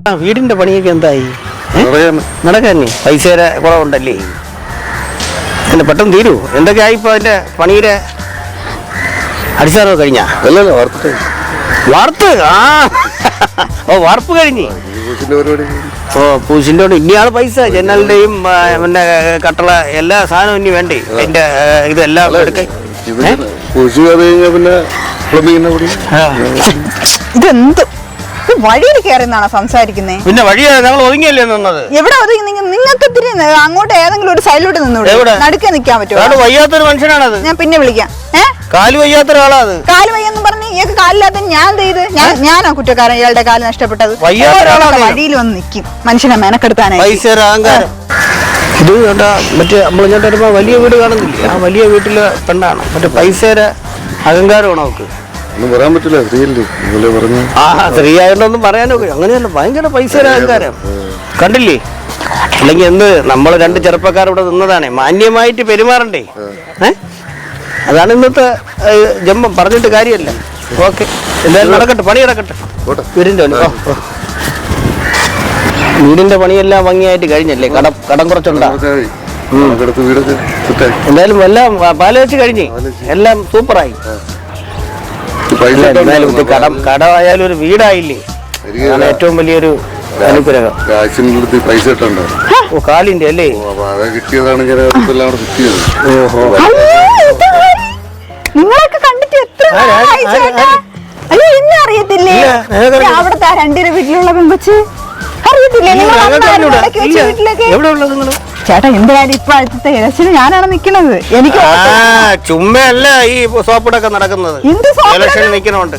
വീടിന്റെ പണിയൊക്കെ എന്തായി? നടക്കാന്നെ പൈസയുടെ കുറവുണ്ടല്ലേ? എന്നെ പെട്ടെന്ന് തീരൂ. എന്തൊക്കെ ആയിപ്പോ അതിന്റെ പണിയുടെ അടിസ്ഥാനം കഴിഞ്ഞാ? വാർത്ത് വാർപ്പ് കഴിഞ്ഞ് പൂശിന്റെ കൊണ്ട് ഇനിയാണ് പൈസ. ജനലിന്റെയും പിന്നെ കട്ടള എല്ലാ സാധനവും ഇനി വേണ്ടേ? അതിന്റെ ഇതെല്ലാം എടുക്കാൻ ഇതെന്ത് വഴിയിൽ കയറിന്നാണോ സംസാരിക്കുന്നേ? പിന്നെ വഴിയാ ഞങ്ങൾ ഒതുങ്ങിയല്ലേ നിന്നത്. എവിടെ ഒതുങ്ങി? നിങ്ങൾക്ക് ഇത്തിരി അങ്ങോട്ട് ഏതെങ്കിലും ഒരു സൈഡിലോട്ട് നിന്നൂടെ? നടുക്കെ നിൽക്കാൻ പറ്റുമോ? വയ്യാത്തൊരു മനുഷ്യനാണത്. ഞാൻ പിന്നെ വിളിക്കാം. കാല് വയ്യാത്ത ഒരാളാ അത്. കാല് വയ്യെന്ന് പറഞ്ഞ് ഇയാൾക്ക് കാലില്ലാത്ത ഞാൻ ചെയ്ത് ഞാനാ കുറ്റക്കാരൻ ഇയാളുടെ കാല് നഷ്ടപ്പെട്ടത്. വഴിയിൽ വന്ന് നിൽക്കും മനുഷ്യനെ മെനക്കെടുത്താനായി. ഇത് കേട്ടാ മറ്റേ നമ്മൾ ഞാൻ വരുമ്പോ വലിയ വീട് കാണുന്നില്ല, ആ വലിയ വീട്ടിലെ പെണ്ണാണ്. മറ്റേ പൈസയുടെ അഹങ്കാരമാണ് അവക്ക്. പറയാൻ പറ്റില്ല. സ്ത്രീ ആയതൊന്നും പറയാനോ അങ്ങനെയല്ല. ഭയങ്കര പൈസയുടെ അഹങ്കാരം കണ്ടില്ലേ? അല്ലെങ്കിൽ എന്ത് നമ്മൾ രണ്ട് ചെറുപ്പക്കാർ ഇവിടെ നിന്നതാണേ, മാന്യമായിട്ട് പെരുമാറണ്ടേ? അതാണ് ഇന്നത്തെ ജന്മം. പറഞ്ഞിട്ട് കാര്യമല്ല. ഓക്കെ, എന്തായാലും നടക്കട്ടെ, പണി നടക്കട്ടെ. വീടിന്റെ പണിയെല്ലാം ഭംഗിയായിട്ട് കഴിഞ്ഞല്ലേ? കടം കുറച്ചുണ്ടാ? എന്തായാലും എല്ലാം പാലുവെച്ച് കഴിഞ്ഞ് എല്ലാം സൂപ്പറായി. കടമായാലും ഒരു വീടായില്ലേ? അതാണ് ഏറ്റവും വലിയൊരു അനുഗ്രഹം. കാലിന്റെ അല്ലേ? നിങ്ങളൊക്കെ കണ്ടിട്ട് എത്ര അയ്യോ എന്നെ അറിയത്തില്ലേ? അവിടുത്തെ രണ്ടിര വീട്ടിലുള്ള പെൺകൊച്ച് അറിയത്തില്ലേ? ചേട്ടാ എന്ത് കാര്യം ഇപ്പൊ അടുത്ത ഇലക്ഷന് ഞാനാണ് നിക്കണത്. എനിക്ക് ചുമ്മല്ല ഈ സോപ്പിടൊക്കെ നടക്കുന്നത്. ഇലക്ഷൻ നിക്കണോണ്ട്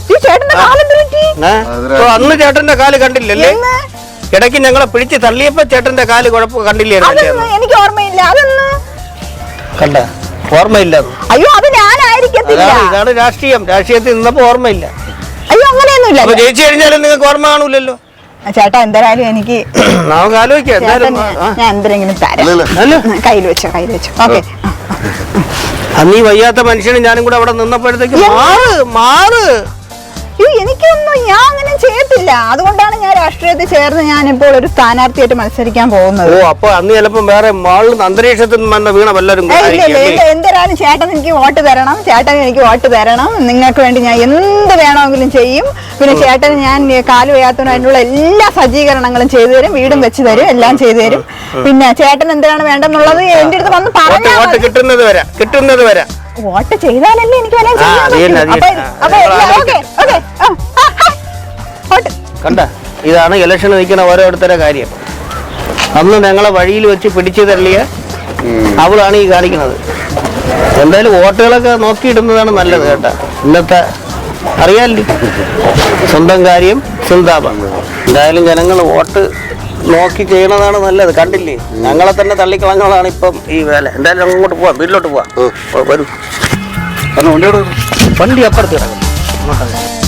അന്ന് ചേട്ടന്റെ കാല് കണ്ടില്ലല്ലേ? ഇടയ്ക്ക് ഞങ്ങളെ പിടിച്ച് തള്ളിയപ്പോ ചേട്ടന്റെ കാല് കുഴപ്പം കണ്ടില്ലായിരുന്നു. എനിക്ക് ഓർമ്മയില്ല. അതൊന്ന് കണ്ട ഓർമ്മയില്ല. അയ്യോ അത് ഞാനായിരിക്കത്തില്ല. ഇതാണ് രാഷ്ട്രീയം. രാഷ്ട്രീയത്തിൽ നിന്നപ്പോ ഓർമ്മയില്ല. അയ്യോ അങ്ങനെയൊന്നുമില്ല. ജയിച്ചു കഴിഞ്ഞാലും നിങ്ങൾക്ക് ഓർമ്മ കാണൂലല്ലോ. ചേട്ടാ എന്തായാലും എനിക്ക് നമുക്ക് ആലോചിക്കാം. ഞാൻ എന്തെങ്കിലും തരാം. കയ്യിൽ വെച്ചോ. ഓക്കെ. അന്നീ വയ്യാത്ത മനുഷ്യന് ഞാനും കൂടെ അവിടെ നിന്നപ്പോഴത്തേക്ക് മാറ് എനിക്കൊന്നും ഞാൻ അങ്ങനെ ചെയ്യത്തില്ല. അതുകൊണ്ടാണ് ഞാൻ രാഷ്ട്രീയത്തിൽ ചേർന്ന് ഞാനിപ്പോൾ ഒരു സ്ഥാനാർത്ഥിയായിട്ട് മത്സരിക്കാൻ പോകുന്നത്. അപ്പൊ അന്ന് ചിലപ്പോ വേറെ മാളിൽ അന്തരീക്ഷത്തിൽ വന്ന വീണ വല്ലരും. എന്തായാലും ചേട്ടൻ എനിക്ക് വോട്ട് തരണം. നിങ്ങൾക്ക് വേണ്ടി ഞാൻ എന്ത് വേണമെങ്കിലും ചെയ്യും. പിന്നെ ചേട്ടന് ഞാൻ കാല് വയ്യാത്തതിനുള്ള എല്ലാ സജ്ജീകരണങ്ങളും ചെയ്തു തരും. വീടും വെച്ച് തരും. എല്ലാം ചെയ്തു തരും. പിന്നെ ചേട്ടൻ എന്താണ് വേണ്ടെന്നുള്ളത് എന്റെ അടുത്ത് വന്ന് പറഞ്ഞു. കിട്ടുന്നത് വരെ വോട്ട് ചെയ്താലല്ലേ എനിക്ക് കണ്ട. ഇതാണ് ഇലക്ഷൻ നിൽക്കുന്ന ഓരോരുത്തരുടെ കാര്യം. അന്ന് ഞങ്ങളെ വഴിയിൽ വെച്ച് പിടിച്ചു തള്ളിയ അവളാണ് ഈ കാണിക്കുന്നത്. എന്തായാലും വോട്ടുകളൊക്കെ നോക്കിയിടുന്നതാണ് നല്ലത് കേട്ടാ. ഇന്നത്തെ അറിയാല്ലേ, സ്വന്തം കാര്യം ചിന്താപം. എന്തായാലും ജനങ്ങൾ വോട്ട് നോക്കി ചെയ്യണതാണ് നല്ലത്. കണ്ടില്ലേ, ഞങ്ങളെ തന്നെ തള്ളിക്കളഞ്ഞോളാണ് ഇപ്പം ഈ വേല. എന്തായാലും അങ്ങോട്ട് പോവാം, വീട്ടിലോട്ട് പോവാം. വരൂ. വണ്ടി അപ്പുറത്ത് കിടക്കും.